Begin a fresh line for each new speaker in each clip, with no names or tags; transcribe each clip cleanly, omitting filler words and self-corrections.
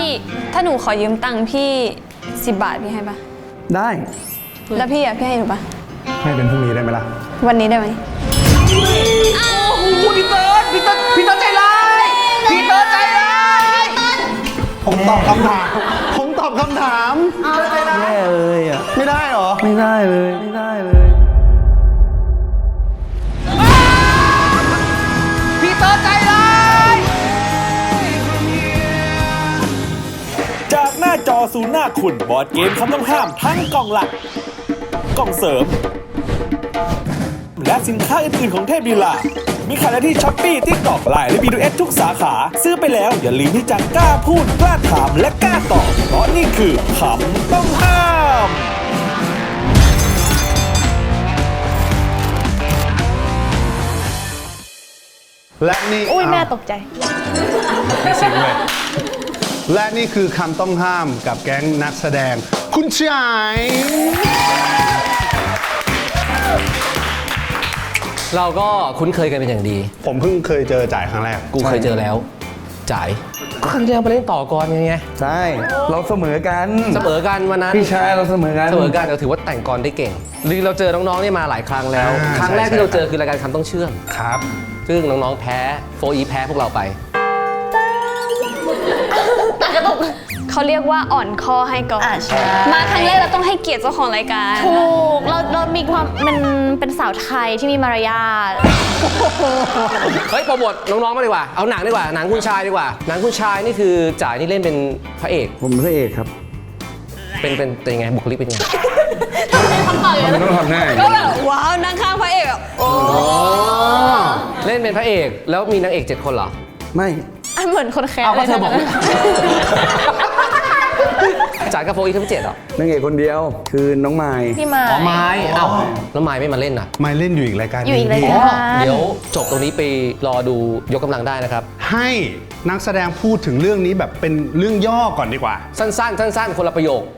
ถ้าหนูขอยืมตังค์พี่10 บาทพี่ให้ปะ
ได้
แล้วพี่พี่ให้หนูปะ
ให้เป็นพรุ่งนี้ได้ไหมล่ะ
วันนี้ได้ไหม
โอ้โหพี่เติร์ดใจร้ายพี่เติร์ดใจร้าย
ผมตอบคำถามแย่เลยอ่ะไม่ได้หรอไม่ได้เลย
พี่เติร์ดใจร้าย
จากหน้าจอสู่หน้าคุณบอร์ดเกมคำต้องห้ามทั้งกล่องหลักกล่องเสริมและสินค้าอื่นๆของเทพลีลามีขายได้ที่ช้อปปี้ TikTok ไลน์และ B2S ทุกสาขาซื้อไปแล้วอย่าลืมที่จะกล้าพูดกล้าถามและกล้าตอบเพราะนี่คือคำต้องห้าม
และนี่
อุ้ยแม่ตกใจ
ไม่ซิงเลยและนี่คือคำต้องห้ามกับแก๊งนักแสดงคุณชาย
เราก็คุ้นเคยกันเป็นอย่างดี
ผมเพิ่งเคยเจอจ่ายครั้งแรก
กูเคยเจอแล้วจ่ายก็ครั้งเดียวไปเล่นต่อก่อนไง
ใช่เราเสมอกัน
วันนั้น
พี่ชายเราเสมอกัน
เราถือว่าแต่งกรได้เก่งหรือเราเจอน้องๆนี่มาหลายครั้งแล้วครั้งแรกที่เราเจอคือรายการคำต้องเชื่อม
ครับ
ซึ่งน้องๆแพ้โฟอีแพ้พวกเราไป
เขาเรียกว่าอ่อนคอให้ก่อนมาครั้งแรกเราต้องให้เกียรติเจ้าของรายการ
ถูกเรามีความมันเป็นสาวไทยที่มีมารยาท
เฮ้ยโปรโมทน้องๆมาดีกว่าเอาหนังดีกว่าหนังคุณชายดีกว่าหนังคุณชายนี่คือจ่ายนี่เล่นเป็นพระเอก
ผมพระเอกครับ
เป็นยังไงบุคลิกเป็นยังไง
มันต้องทำหน้า
ก็แบบว้าวนั่งข้างพระเอกแบบโอ้
เล่นเป็นพระเอกแล้วมีนางเอก7 คนเหรอ
ไม่
เหมือนคนแคร์
เลยเธอบอกจ่ายกับโฟอีทั้ง7เหรอน
างเอกคนเดียวคือน้องไม้
พี่ไม้
ไม้เอ้าแล้วไม้ไม่มาเล่นอ่ะ
ไม้เล่นอยู่อีกรายการ
อยู่อีกรายการ
เดี๋ยวจบตรงนี้ไปรอดูยกกำลังได้นะครับ
ให้นักแสดงพูดถึงเรื่องนี้แบบเป็นเรื่องย่อก่อนดีกว่า
สั้นคนละประโยค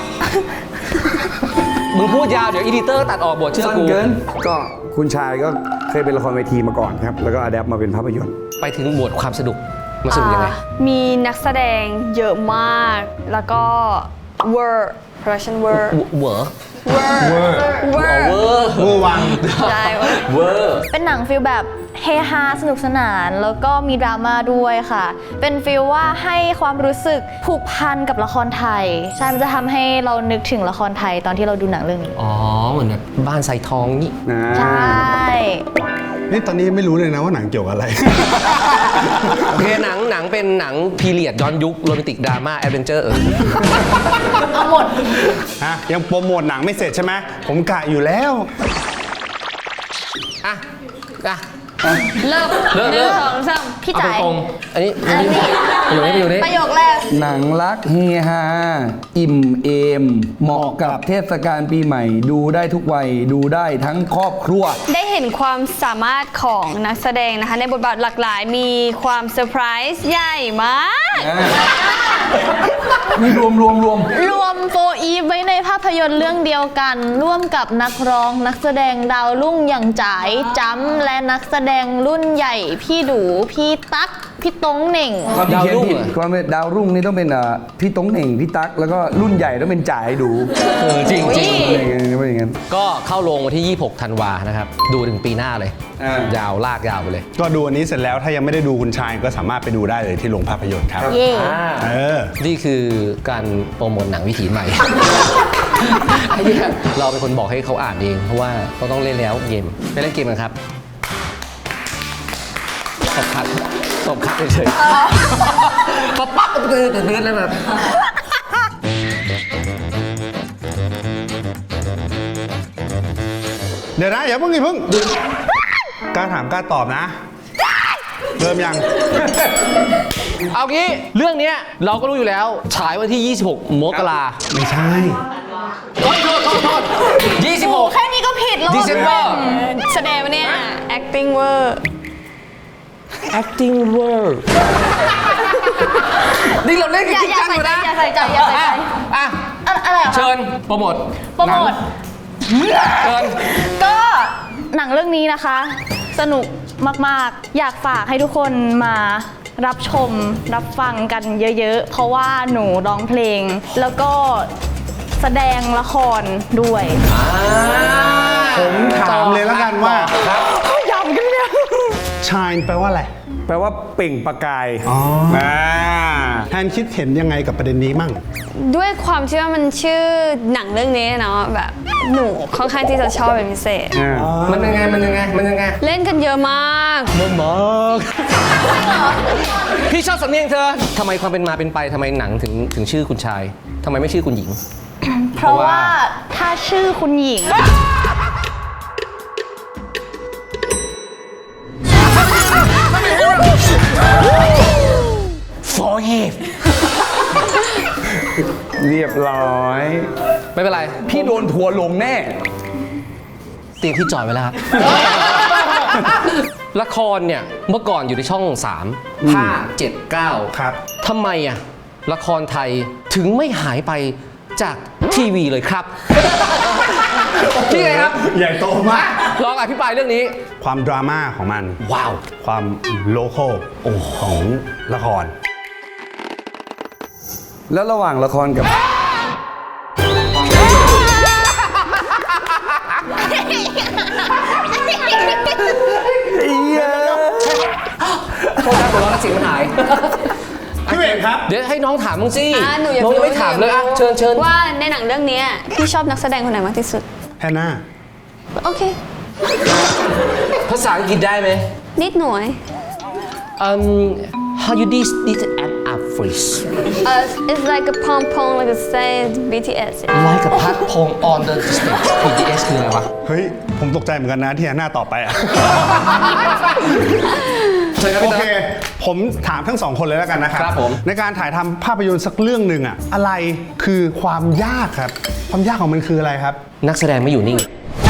มึงพูดยาวเดี๋ยวอีดิเตอร์ตัดออกบทเชื่อกู
ก็คุณชายก็เคยเป็นละครเวทีมาก่อนครับแล้วก็อะแดปมาเป็นภาพยนตร์
ไปถึงหมวดความสนุกมาสนุกยังไง
มีนักแสดงเยอะมากแล้วก็เวอร์ production เวอร์
วัง
ใช่
เวอร์
เป็นหนังฟิลแบบเฮฮาสนุกสนานแล้วก็มีดราม่าด้วยค่ะเป็นฟิลว่าให้ความรู้สึกผูกพันกับละครไทยใช่มันจะทำให้เรานึกถึงละครไทยตอนที่เราดูหนังเรื่องนี้
อ๋อเหมือนแบบบ้านใส่ทองนี่
ใช่
นี่ตอนนี้ไม่รู้เลยนะว่าหนังเกี่ยวกับอะไร
โอเคหนังเป็นหนังพีเรียดย้อนยุคโรแมนติกดราม่าแอดเวนเจอร์
เอาหมด
ฮะยังโปรโมทหนังไม่เสร็จใช่ไหมผมกะอยู่แล้ว
เริ่ม
2 3พี่จ๋าย
อันนี้อยู่นี่
ประโยคแรก
หนังรักเฮฮาอิ่มเอมเหมาะกับเทศกาลปีใหม่ดูได้ทุกวัยดูได้ทั้งครอบครัว
ได้เห็นความสามารถของนักแสดงนะคะในบทบาทหลากหลายมีความเซอร์ไพรส์ใหญ่มาก
นี่รวม
โฟอีฟไว้ในภาพยนตร์เรื่องเดียวกันร่วมกับนักร้องนักแสดงดาวรุ่งอย่างจ๋ายจ้ำและนักแสดงรุ่นใหญ่พี่ดูพี่ตั๊กพี่ตงเหน่ง
ดาวรุ่งดาวรุ่งนี่ต้องเป็นพี่ตงเหน่งพี่ตั๊กแล้วก็รุ่นใหญ่ต้องเป็นจ๋ายดู
จริง
เป็นอย่างนั้น
ก็เข้าโรงวันที่26 ธันวานะครับดูถึงปีหน้าเลยยาวลากยาวไปเลย
ก็ดูอันนี้เสร็จแล้วถ้ายังไม่ได้ดูคุณชายก็สามารถไปดูได้เลยที่โรงภาพยนตร์ครับ
นี่คือการโปรโมทหนังวิถีใหม่เราเป็นคนบอกให้เขาอ่านเองเพราะว่าเขาต้องเล่นแล้วเกมไปเล่นเกมกันครับตบคัดเฉยๆปั๊บเตือนแล้วแบบ
เดี๋ยวนะอย่าเพิ่งกล้าถามกล้าตอบนะเริ่มยัง
เอางี้เรื่องนี้เราก็รู้อยู่แล้วฉายวันที่26 มกรา
ไม่ใช่
โทษ26
แค่นี้ก็ผิดแล้ว
December
แสดงว่าเนี่ย acting เวอร์
นี่เราเล่นกันจริงจังอยู่นะ
อย่าใส่ใจอะไร
เชิญโปรโมทเชิญ
ก็หนังเรื่องนี้นะคะสนุกมากๆอยากฝากให้ทุกคนมารับชมรับฟังกันเยอะๆ เพราะว่าหนูร้องเพลง แล้วก็แสดงละครด้วย
ผมถามเลยแล้วกันว่า
ครับ
shine แปลว่าอะไร
แปลว่าเปล่งประกาย
แทนคิดเห็นยังไงกับประเด็นนี้มั่ง
ด้วยความที่ว่ามันชื่อหนังเรื่องนี้เนาะแบบหนูค่อนข้างที่จะชอบเป็นพิเศษ
มันยังไง
เล่นกันเยอะมาก
พี่ชอบสำเนียงเธอทำไมความเป็นมาเป็นไปทำไมหนังถึงชื่อคุณชายทำไมไม่ชื่อคุณหญิง
เพราะว่าถ้าชื่อคุณหญิง
เรียบร้อย
ไม่เป็นไร
พี่โดนทัวร์ลงแน่
เตียงที่จอดไว้แล้วครับ ละครเนี่ยเมื่อก่อนอยู่ในช่อง 3 5 7 9
ครับ
ทำไมอะละครไทยถึงไม่หายไปจากทีวีเลยครับ ที่ไงครับ
ใหญ่โตมาก
ลองอภิปรายเรื่องนี้
ความดราม่าของมัน
ว้าว
ความโลคอลของละคร
แล้วระหว่างละครกับ
โทษนะหัวเราะแล้วเสียงมันหาย
พี่เอกครับ
เดี๋ยวให้น้องถามมึงสิ
หนูอยาก
น้องยังไม่ถามเลยอ่ะเชิญ
ว่าในหนังเรื่องนี้พี่ชอบนักแสดงคนไหนมากที่สุด
แฮนนา
โอเค
ภาษาอังกฤษได้ไหม
นิดหน่อย
how you this app up freeze
it's like a pom pom like a say BTS
like a pat pong on the stage BTS คืออะไรวะ
เฮ้ย ผมตกใจเหมือนกันนะที่แฮนนาตอบไปอ่ะ
เชิญครับ
โอ
พี่
เค
เตอร์
ผมถามทั้งสองคนเลยแล้วกันนะครับ
ครับผม
ในการถ่ายทำภาพยนตร์สักเรื่องหนึ่งอะอะไรคือความยากครับ ความยากของมันคืออะไรครับ
นักแสดงไม่อยู่นิ่ง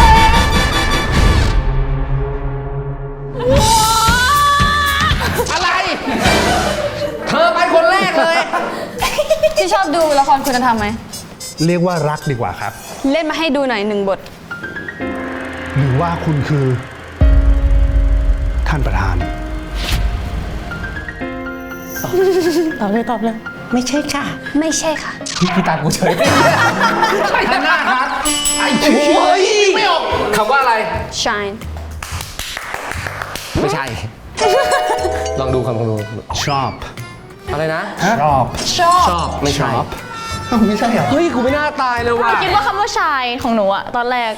อะไร เธอไปคนแรกเลย
พี่ชอบดูละครคุณธรรมไหม
เรียกว่ารักดีกว่าครับ
เล่นมาให้ดูหน่อย1 บท
หรือว่าคุณคือ ท่านประธาน
ไม่ใช่ค่ะ
พี่ตามกูเฉยท่านหน้าครับไอ้โอ้ยไม่ออกคำว่าอะไร
shine
ไม่ใช่ ลองดูคำลองดู
ชอบ
อะไรนะ
ชอบ
ชอบ ไม่ชอบ
ไม่ใช่เหรอ
เฮ้ย กูไม่น่าตายเลยว่ะ
คิดว่าคำว่าชายของหนูอะตอนแรก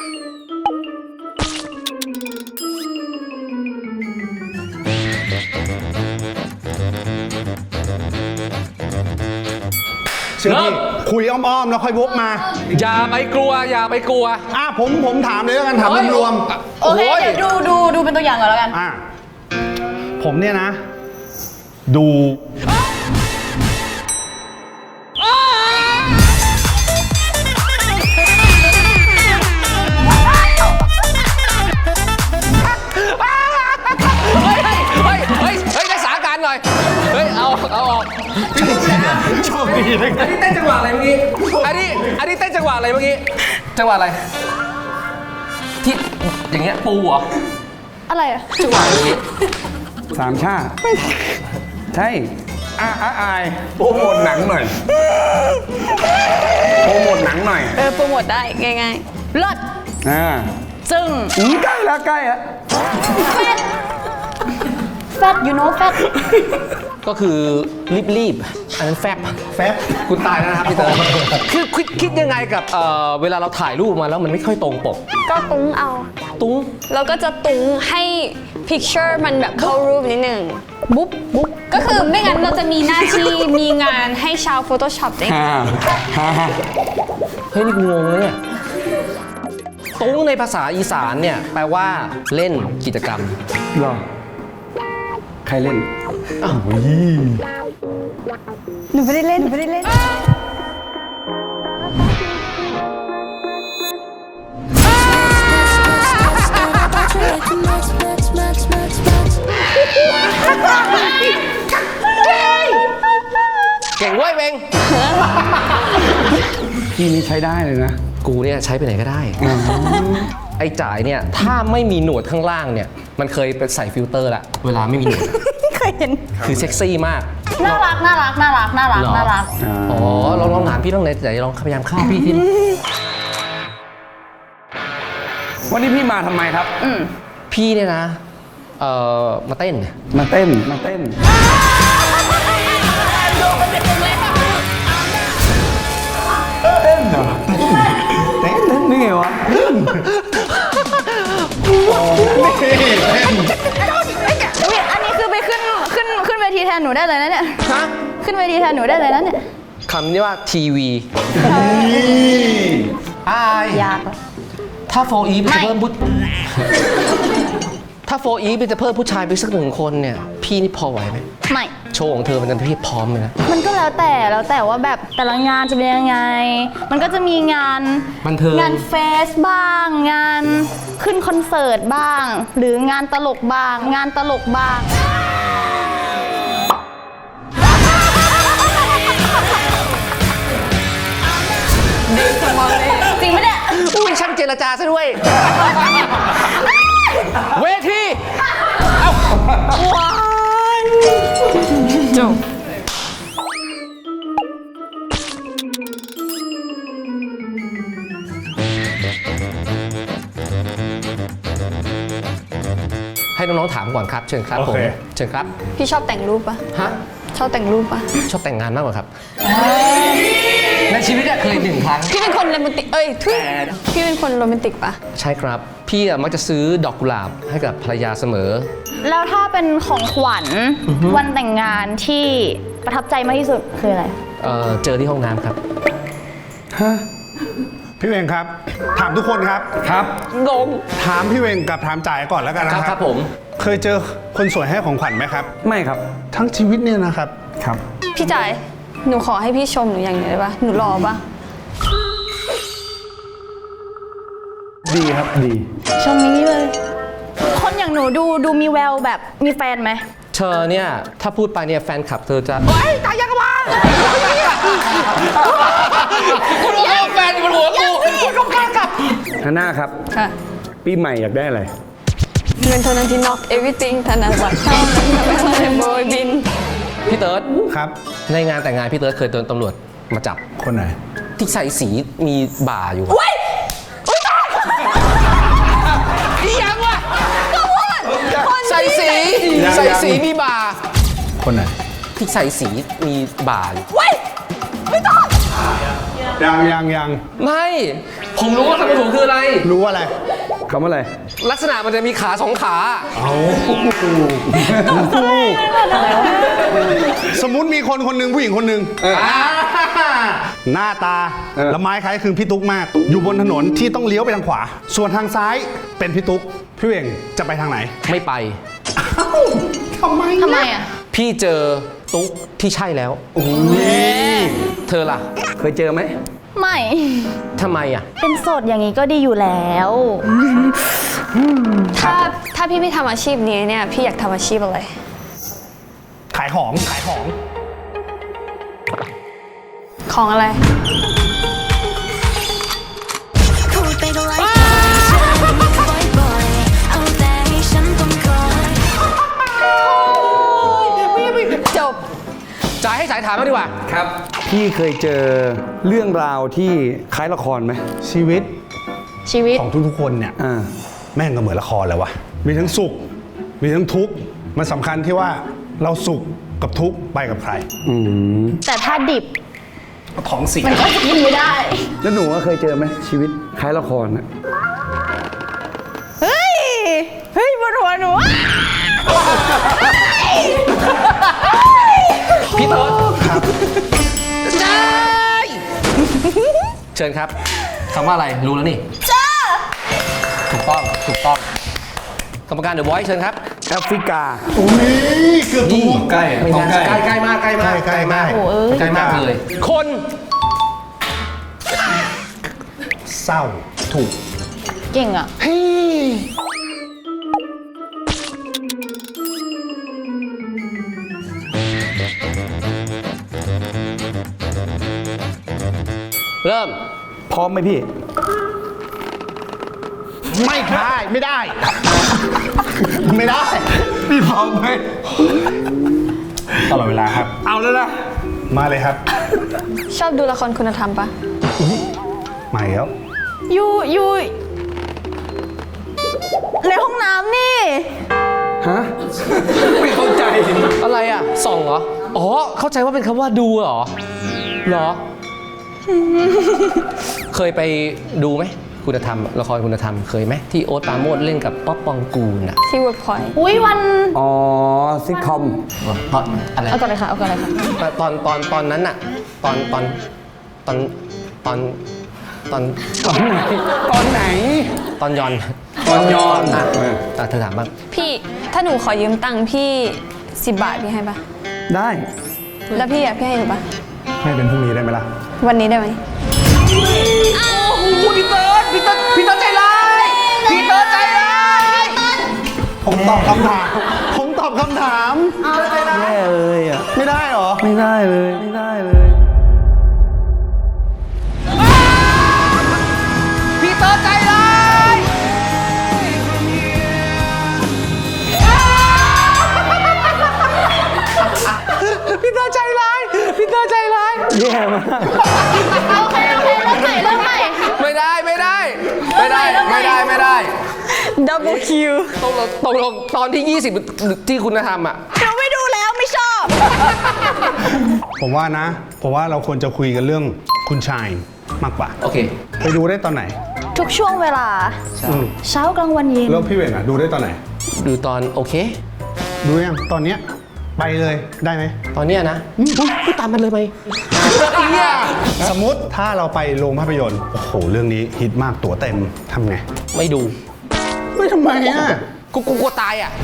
เชื่อพี่คุยอ้อมๆ แล้วค่อยวกมา
อย่าไปกลัว อย่าไปกลัว
ผมถามเลยแล้วกันถามรวม
โอเค เดี๋ยวดูเป็นตัวอย่างก่อนแล้วกัน
ผมเนี่ยนะ ดู
เฮ้ยรักษาการหน่อย เฮ้ย เอาออก
โชคดีนะ
อันนี้เต้นจังหวะอะไรเมื่อกี้ อันนี้เต้นจังหวะอะไรเมื่อกี้ จังหวะอะไร ที่อย่างเงี้ยปูเหรอ
อะไรอะ
จังหวะอย่างงี้
สามชาติ ใช่อายโปรโมทหนังหน่อย โปรโมทหนังหน่อย
โปรโมทได้ง่ายๆเลิศ จึง
ใกล้แล้วใกล้แล้ว
แฟต you know แฟต
ก็คือรีบๆ อันนั้นแฟบ
แฟบ
คุณตายแล้วนะครับพี่เต๋อคือคิดยังไงกับเวลาเราถ่ายรูปมาแล้วมันไม่ค่อยตรงปก
ก็ตุ้งเอา
ตุ้ง
เราก็จะตุ้งให้ picture มันแบบเข้ารูปนิดหนึ่งบุ๊บก็คือไม่งั้นเราจะมีหน้าที่มีงานให้ชาว Photoshop ได้
เฮ้ยนี่กูงงเลยเนี่ยตุ้งในภาษาอีสานเนี่ยแปลว่าเล่นกิจกรรม
หรอ ใครเล่น
หนูไม่ได้เล่น
เก่งเว้ยเบง
พี่นี่ใช้ได้เลยนะ
กูเนี่ยใช้ไปไหนก็ได้ ไอ้จ่ายเนี่ยถ้าไม่มีหนวดข้างล่างเนี่ยมันเคยไปใส่ฟิลเตอร์ละเวลาไม่มีหนวด
เห็น
คือเซ็กซี่มาก
น่ารักน่ารักน่ารักน่ารัก
เหรอ
น่ารัก
อ๋อลองถามพี่ต้องเลยแต่ลองพยายามเข้าพี่ที่
วันนี้พี่มาทำไมครับ
พี่เนี่ยนะมาเต้น
มาเต้น มาเต้น เต้นเหรอ เต้นนี่ไงวะ
อุ๊ยอันนี้คือไปขึ้นเวทีแทนหนูได้เลยนะเนี่ย
ฮะ
ขึ้นเวทีแทนหนูได้เลยนะเนี่ย
คำนี้ว่าทีวีอาย
ยากอะ
ถ้าโฟอีฟจะเพิ่มถ้าโฟอีฟจะเพิ่มผู้ชายไปสัก1 คนเนี่ย พี่นี่พอไหวไหม
ไม่
โชว์ของเธอมันจะพี่พร้อมเลยนะ
มันก็แล้วแต่ว่าแบบแต่ละงานจะเป็นยังไง มันก็จะมีงาน
บันเทิง
งานเฟสบ้าง งานขึ้นคอนเสิร์ตบ้าง หรืองานตลกบ้าง งานตลกบ้าง จริงไหมเนี่ย
อุ้ยช่างเจรจาซะด้วย เวที
จบ
ให้น้องๆถามก่อนครับ เชิญครับผม
โอเค
เชิญครับ
พี่ชอบแต่งรูปปะ
ฮะ
ชอบแต่งรูปปะ
ชอบแต่งงานมากกว่าครับ ในชีวิตเคย1 ครั้ง
พี่เป็นคนโรแมนติก เอ้ยทุยพี่เป็นคนโรแมนติกปะ
ใช่ครับ พี่มักจะซื้อดอกกุหลาบให้กับภรรยาเสมอ
แล้วถ้าเป็นของขวัญวันแต่งงานที่ประทับใจมากที่สุดคืออะไร
เจอที่ห้องน้ำครับ
พี่เวงครับ ถามทุกคนครับ
ครับ
งง
ถามพี่เวงกับถามจ่ายก่อนแล้วกันนะ
ค
ค
รั
รั
บบ ครับผม
เคยเจอคนสวยให้ของขวัญไหมครับ
ไม่ครับ
ทั้งชีวิตเนี่ยนะครับ
ครับ
พี่จ่าย หนูขอให้พี่ชมหนูอย่างเดียวได้ปะหนูรอปะ
ดีครับ ดี
ชมนี้เลย คนอย่างหนูดูมีแววแบบมีแฟนไหม
เธอเนี่ย ถ้าพูดไปเนี่ยแฟนคลับเธอจะโอ๊ยตายยังกะวะคุณรู้ว่าแฟนอยู่บนหัวกูคุณก็กล้ากลับ
ฮาน่าครับ
ค่ะ
ปีใหม่อยากได้อะไร
เงินเท่านั้นที่ knock everything ธนบัตรเท่านั้นทำให้เราได้โบยบิน
พี่เติร์ด
ครับ
ในงานแต่งงานพี่เติร์ดเคยโดนตำรวจมาจับ
คนไหน
ที่ใส่สีมีบ่าอยู่อีหยังวะใส่สี
ยัง
ใส่สีมีบ่า
คนไหน
ที่ใส่สีมีบ่าอยู่
ยัง
ไม่ ผมรู้ว่าคำถูกคืออะไร
รู้อะไร
คำว่าอะไร
ลักษณะมันจะมีขา2 ขา
สมมุติมีคนคนหนึ่งผู้หญิงคนหนึ่งหน้าตาละไม้คล้ายคลึงพี่ตุ๊กมาก อยู่บนถนนที่ต้องเลี้ยวไปทางขวา ส่วนทางซ้ายเป็นพี่ตุ๊กพี่เวงจะไปทางไหน
ไม่ไป
ทำไม
ทำไมอ่ะ
พี่เจอตุ๊กที่ใช่แล้ว เธอล่ะ
เคยเจอไหม
ไม่
ทำไมอ่ะ
เป็นโสดอย่างนี้ก็ดีอยู่แล้ว
ถ้าพี่ไม่ทำอาชีพนี้เนี่ย พี่อยากทำอาชีพอะไร
ขายของ
ของอะไร
พูดไปก็ไร้ค่าฉันบ่อยๆเอาแต่ให้ฉันต้องคอย
จบ
จ่ายให้สายถามมาดีกว่า
ครับ พี่เคยเจอเรื่องราวที่คล้ายละครไหม
ชีวิต
ชีวิต
ของทุกๆคนเนี่ย
อ่า
แม่งก็เหมือนละครเลยวะมีทั้งสุข มีทั้งทุกข์มันสำคัญที่ว่าเราสุขกับทุกข์ไปกับใคร
แต่ถ้าดิบ
ท้องเสีย
มันก็จะกินไม่ได้
แล้วหนูว่าเคยเจอไหมชีวิตคล้ายละครนะ
เฮ้ย เฮ้ยบนหัวหนู
พี่เติร์ดครับได้เชิญครับคำว่าอะไรรู้แล้วนี่จ้าถูกต้องกรรมการเดอะไวท์เชิญครับ
แอฟริกา
อุ้ยเกือบถูก
ใกล้
ไม่น่าใกล้มากใกล้มาก
ใกล้มาก
ใกล้มากเลย คน
เศร้าถูก
เก่งอ่ะ
เริ่ม
พร้อมไหมพี่
ไม่ได้ ไม่ได้ พี่พร้อมไหมตลอดเวลาครับ
เอาแล้วนะ
มาเลยครับ
ชอบดูละครคุณธรรมปะ
มาแล้ว
อยู่ในห้องน้ำนี่
ฮะ ไม่เข้าใจ
อะไรอ่ะส่องเหรอ อ๋อ เข้าใจว่าเป็นคำว่าดูเหรอ เหรอ เคยไปดูไหมคุณธรรมละครคุณธรรมเคยไหมที่โอ๊ตปราโมชเล่นกับป๊อปปองกูลอ่ะ
ที่เวิร์กพอยต์
อุ้ยวัน
อ๋อซิทคอม
เพราะอะไร
เอาก่อนเลยค่ะเอาก่อนเลยค่ะ
ตอนนั้นอะตอน
ตอนไหน
ตอนยอน
ตอนยอน
อ่ะเธอถามบ้าง
พี่ถ้าหนูขอยืมตังค์พี่10 บาทพี่ให้ปะ
ได้
แล้วพี่อะพี่ให้หนูปะ
ให้เป็นพรุ่งนี้ได้ไหมล่ะ
วันนี้ได้ไหม
พี่เติร์ดใจร้ายพี่เติร์ดใจร้าย
ผมตอบคำถาม ผมตอบคำถาม
แย่เลยอ่ะ
ไม่ได้เหรอ
ไม่ได้เลย ไม่ได้เลย
พี่เติร์ดใจร้าย พี่เติร์ดใจร้าย พี่เติร์ดใจร้าย
แย่มาก
โอเคเริ่มใหม่
ไม่ได้
ดับเบิลคิว
ตกลงตอนที่ 20 ที่คุณธรรมอ่ะ
เราไม่ดูแล้วไม่ชอบ
ผมว่านะ ผมว่าเราควรจะคุยกันเรื่องคุณชายมากกว่า
โอเค
ไปดูได้ตอนไหน
ทุกช่วงเวลา
อืม
เช้ากลางวันเย็น
แล้วพี่เวงอ่ะ ดูได้ตอนไหน
ดูตอนโอเค
ดูยังตอนเนี้ยไปเลยได้ไหม
ตอนเนี้ยนะพูดตามมันเลยไหม
สมมติถ้าเราไปโรงภาพยนตร์ โอ้โห เรื่องนี้ฮิตมากตั๋วเต็มทำไง
ไม่ดู
เฮ้ยทำไมอ่ะ
กูกลัวตายอ่ะ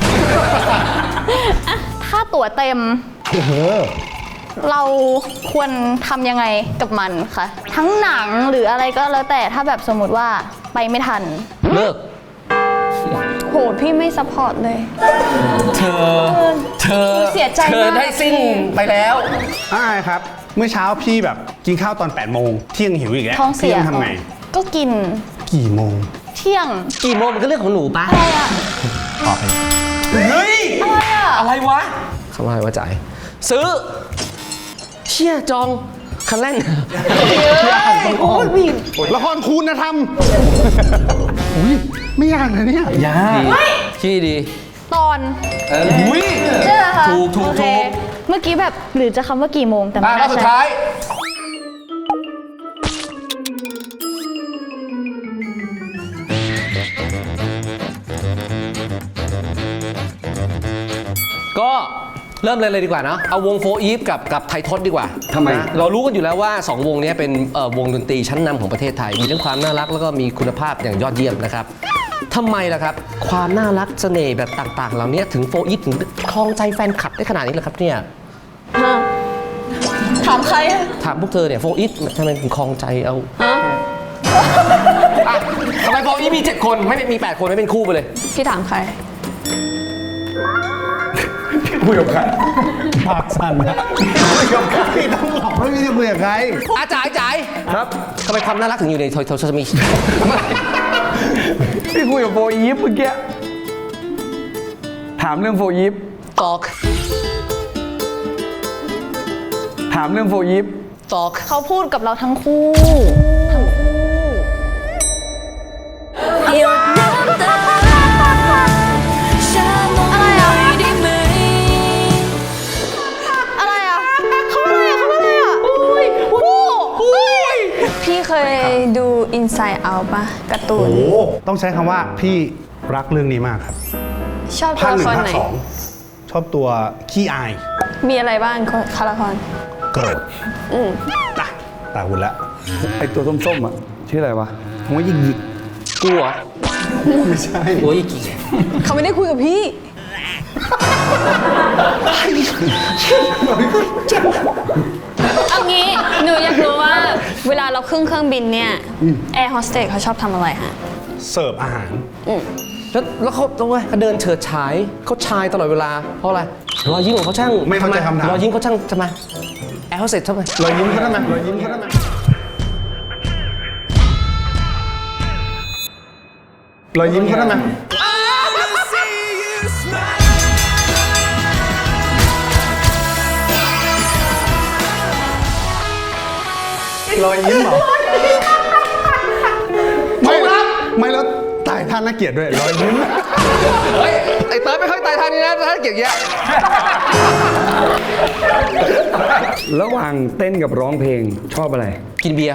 ถ้าตั๋วเต็ม เราควรทำยังไงกับมันคะ ทั้งหนังหรืออะไรก็แล้วแต่ถ้าแบบสมมติว่าไปไม่ทัน
เลิก
โหพี่ไม่ซัพพอร์ตเลย
เธอ
เสียใจมาก
เธอได้สิ้นไปแล้ว
อ่าครับ เมื่อเช้าพี่แบบกินข้าวตอน8 โมงเที่ยงหิวอีกแล้ว
ท้องเสีย
พี่ต้องทำไง
ก็กิน
กี่โมง
เที่ยง
กี่โมงมันก็เรื่องของหนูปะ
อะไรอะ
ตอบไป
เฮ้ย
อะไรอะ
อะไรวะคำว่าอะไรวะจ่าย ซื้อ เชี่ยจอง คันเล่น
โอ้ยพี่ละครคุณธรรมอุ้ยไม่ยากนะเนี่ย
ยาก
ขี้ดี
ตอน
อุ้ย
ใช่ไหมคะ
ถูก
โอเคเมื่อกี้แบบหรือจะคำว่ากี่โมงแต่ไม่
รอบ
น่า
สุด
ใช่
ท้าย ก็เริ่มเลยดีกว่าเนาะเอาวงโฟอีฟกับไททศดีกว่า
ทำไม
นะเรารู้กันอยู่แล้วว่า 2 วงนี้เป็นวงดนตรีชั้นนำของประเทศไทย มีทั้งความน่ารักแล้วก็มีคุณภาพอย่างยอดเยี่ยมนะครับทำไมล่ะครับ ความน่ารักเสน่ห์แบบต่างๆ เหล่านี้ถึงโฟอีฟถึงครองใจแฟนคลับได้ขนาดนี้ล่ะครับเนี่ย
ถามใครอะ
ถามพวกเธอเนี่ยโฟอีฟทำไมถึงครองใจเอาอ่ะทำไมโฟอีฟมี 7 คนไม่มี 8 คนไม่เป็นคู่ไปเลย
พี่ถามใคร
คุยกับใครปากสั่นนะคุยกับใครต้องบอกว่าไม่ได้คุยกับใคร
จ่ายครับทำไมความน่ารักถึงอยู่ในโทรศัพท์มี
พี่คุยกับโฟอีฟเมื่อกี้ ถามเรื่องโฟอีฟ
ตอก
ถามเรื่องโฟอีฟ
ตอก
เขาพูดกับเราทั้งคู่
หยดน้ำตาฉันมองไม่ได้ไหม
อะไรอะเขาอะไรอะอุ้ยอุ้ย
พี่เคยดู Inside Out ปะการ์ตูน
โอ้ต้องใช้คำว่าพี่รักเรื่องนี้มากครับ
ชอบตั
ภาว ค
ละ
หนึ่
ค
ง
ร
ภาค
ไหน
สองชอบตัวขี้อาย
มีอะไรบ้างคาละคร
โกรธ
อืม
ตาหุ่นละ
ไอตัวส้มๆอ่ะ ชื่ออะไรวะ
ผมว่ายิง
กูเหรอ
ไม่ใช่
โอ้ยกี่
เขาไม่ได้คุยกับพี่ เอางี้หนูอยากรู้ว่าเวลาเราขึ้นเครื่องบินเนี่ยแอร์โฮสเตสเขาชอบทำอะไรฮะ
เสิร์ฟอาหาร
แล้วเขาต้องไงเขาเดินเฉิดฉายเขาชายตลอดเวลาเพราะอะไรรอยยิ้มของเขาช่าง
ไม่เข้าใจคำถาม
รอยยิ้มเขาช่างทำไมแอร์โฮสเตสทำไม
รอยยิ้มเขาได้ไหมรอยยิ้มเขาได้ไหมรอยยิ้มเขาได้ไหมรอยยิ้มเหรอไม่แล้วตายท่านน่าเกลียดด้วยรอยยิ้ม
เฮ้ย ไอ้เติร์ดไม่ค่อยตายทางนี้นะถ้าเก่งเยอะ
ระหว่างเต้นกับร้องเพลงชอบอะไร
กินเบียร์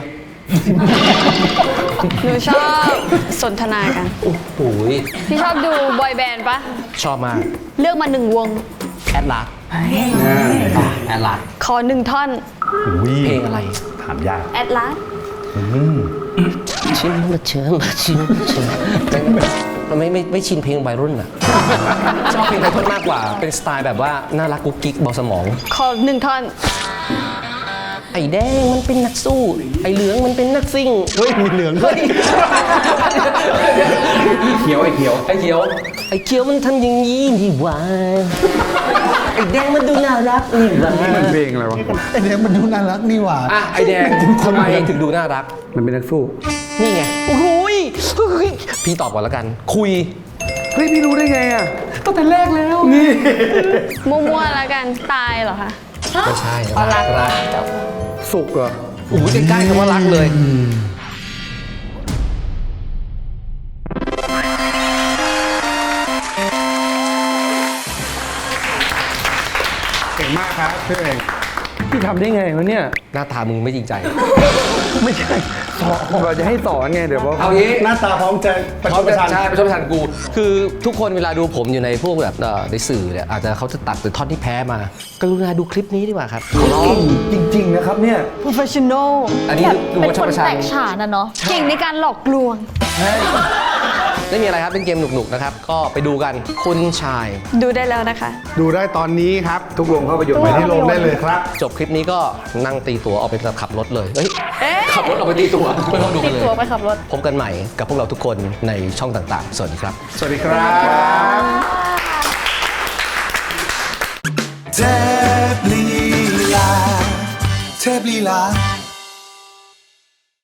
หนูชอบสนทนากัน
โอ้โห
พี่ชอบดูบอยแบนด์ปะ
ชอบมาก
เลือกมา1 วง
แอดลาสแอดลาส
ขอ1 ท่อน
เพลงอะไร
ถามยาก
แอดลาส
ชิมมาเชิญมาชิมมันไม่ชินเพลงวัยรุ่นอ่ะ ชอบเพลงไทยมากกว่า เป็นสไตล์แบบว่าน่ารักกุ๊กกิ๊กเบาสมอง
ขอ1 ท่อน
ไอ้แดงมันเป็นนักสู้ ไอ้เหลืองมันเป็นนักซิ่ง
เฮ้ย มีเหลืองด้วย
เขียวไอ้เขียว
ไอ้เขียวมันทำอย่างนี้นี่หว่าไอ้แดงมันดูน่ารักนี่หว่า
มันเพลงอะไรวะ
ไอเด็กมันดูน่ารักนี่หว่า
อ่ะไอ้แดงทำไมถึงดูน่ารัก
มันเป็นนักสู้
นี่ไง โอ้โหยพี่ตอบก่อนแล้วกัน คุย
เฮ้ย พี่รู้ได้ไงอ่ะตั้งแต่แรกแล้ว นี่
มั่วๆแล้วกันตายเหรอคะ
ไม่ใช่
อ๋อรัก
รัก
จบ
สุกเหรอ
โอ้โหใกล้ๆคำว่ารักเลย
เก่งมากครับพี่เอง
พี่ทำได้ไงวะเนี่ย
หน้าตามึงไม่จริงใจ
ไม่ใช่สอนเราจะให้สอนไง เดี๋ยวว่า
เอางี้
หน้าตาพร้อมจะประชดประชัน
ใช่ประชดประชันกู คือทุกคนเวลาดูผมอยู่ในพวกแบบในสื่อเนี่ยอาจจะเขาจะตัดแต่ท่อนที่แพ้มา กรุณาดูคลิปนี้ดีกว่าครับ
เก่งจริง ๆ นะครับเนี่ย
professional
อันนี้ดู
เป็น
ประช
ค
ด
น
ประชัน
แตกฉานนะเนาะ
เก่งในการหลอกลวง
ไม่มีอะไรครับ เป็นเกมหนุกๆนะครับ ก็ไปดูกัน คุณชาย
ดูได้แล้วนะคะ
ดูได้ตอนนี้ครับ
ทุกโรงภาพยนตร์
ไปที่โรงได้เลยครับ
จบคลิปนี้ก็นั่งตีตั๋วออกไปขับรถเลย เฮ้ย ขับรถออกไปตีตั๋วไม่ต้องดู
ติ
กัน
ด
เลย
ตัวไปขับรถ
พบกันใหม่กับพวกเราทุกคนในช่องต่างๆ สวัสดีครับ
สวัสดีครับ
เทพลีลา